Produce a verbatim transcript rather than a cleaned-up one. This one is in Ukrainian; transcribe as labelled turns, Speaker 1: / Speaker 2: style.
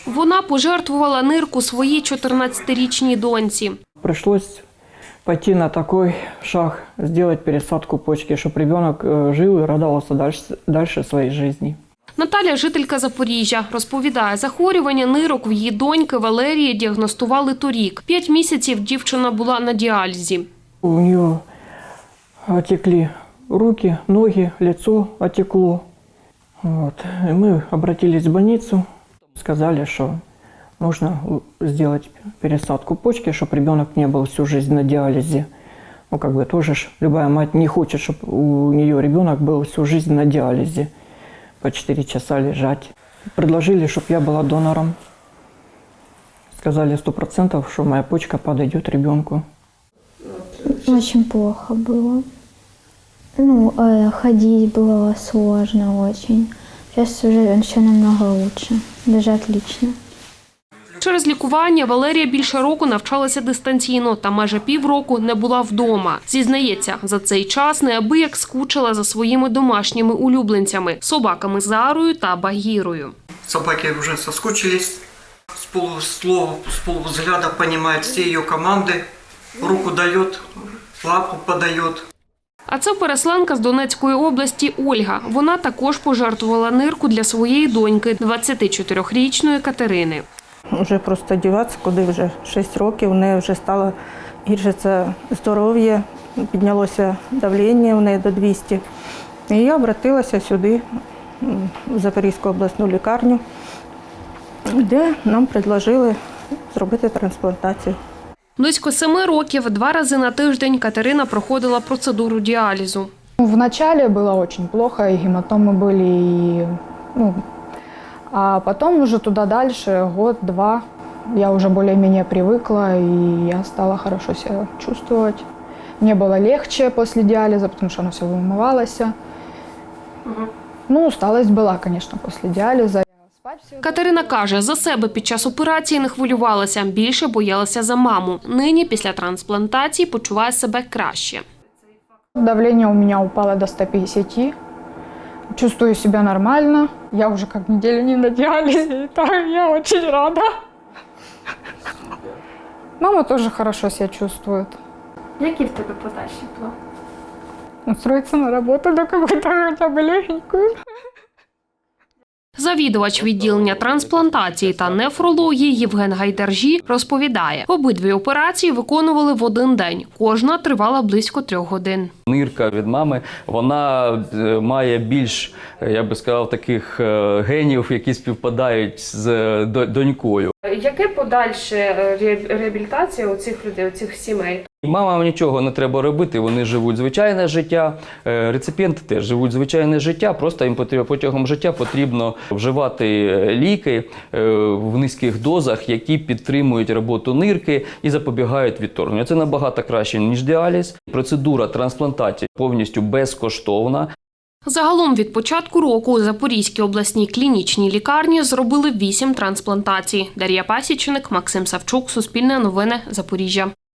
Speaker 1: Вона пожертвувала нирку своїй чотирнадцятирічній доньці.
Speaker 2: Прийшлось пойти на такой шаг, сделать пересадку почки, чтобы ребенок жил и радовался дальше, дальше своей жизни.
Speaker 1: Наталя – жителька Запоріжжя. Розповідає, захворювання нирок в її доньки Валерії діагностували торік. П'ять місяців дівчина була на діалізі.
Speaker 2: У нее отекли руки, ноги, лицо отекло. Вот. И мы обратились в больницу, сказали, что нужно сделать пересадку почки, чтобы ребенок не был всю жизнь на диализе. Ну, как бы тоже ж любая мать не хочет, чтобы у нее ребенок был всю жизнь на диализе. По четыре часа лежать. Предложили, чтобы я была донором. Сказали сто процентов, что моя почка подойдет ребенку.
Speaker 3: Очень плохо было. Ну, э, ходить было сложно очень. Сейчас уже все намного лучше, даже отлично.
Speaker 1: Через лікування Валерія більше року навчалася дистанційно та майже півроку не була вдома. Зізнається, за цей час неабияк скучила за своїми домашніми улюбленцями – собаками Зарою та Багірою.
Speaker 2: Собаки уже соскучились, с полуслова, с полувзгляда понимает все ее команды, руку дает, лапу подает.
Speaker 1: А це переселенка з Донецької області Ольга. Вона також пожертвувала нирку для своєї доньки – двадцятичотирирічної Катерини.
Speaker 4: Вже просто діватися, куди вже шість років, у неї вже стало гіршиться здоров'я, піднялося давлення у неї до двісті. І я обратилася сюди, в Запорізьку обласну лікарню, де нам предложили зробити трансплантацію.
Speaker 1: Близько семи років, два рази на тиждень Катерина проходила процедуру діалізу.
Speaker 5: Вначале было очень плохо, и гематомы были, и, ну, а потом уже туда дальше, год-два, я уже более-менее привыкла, и я стала хорошо себя чувствовать. Мне было легче после диализа, потому что оно все вымывалось. Угу. Ну, усталость была, конечно, после диализа.
Speaker 1: Катерина каже, за себе під час операції не хвилювалася, більше боялася за маму. Нині після трансплантації почуває себе краще.
Speaker 5: Давление у меня упало до ста пятидесяти. Чувствую себя нормально. Я уже как неделю не на диализе, и так я очень рада. Мама тоже хорошо себя чувствует.
Speaker 6: Які в тебе подальші плани?
Speaker 5: Устроиться на работу, да какую-то хотя бы легенькую.
Speaker 1: Завідувач відділення трансплантації та нефрології Євген Гайдаржі розповідає, обидві операції виконували в один день. Кожна тривала близько трьох годин.
Speaker 7: Нирка від мами, вона має більш, я би сказав, таких генів, які співпадають з донькою.
Speaker 6: Яке подальше реабілітація у цих людей, у цих сімей?
Speaker 7: Мамам нічого не треба робити, вони живуть звичайне життя, реципієнти теж живуть звичайне життя, просто їм протягом життя потрібно вживати ліки в низьких дозах, які підтримують роботу нирки і запобігають відторгненню. Це набагато краще, ніж діаліз. Процедура трансплантації повністю безкоштовна.
Speaker 1: Загалом від початку року у Запорізькій обласній клінічній лікарні зробили вісім трансплантацій. Дар'я Пасічник, Максим Савчук, Суспільне новини, Запоріжжя.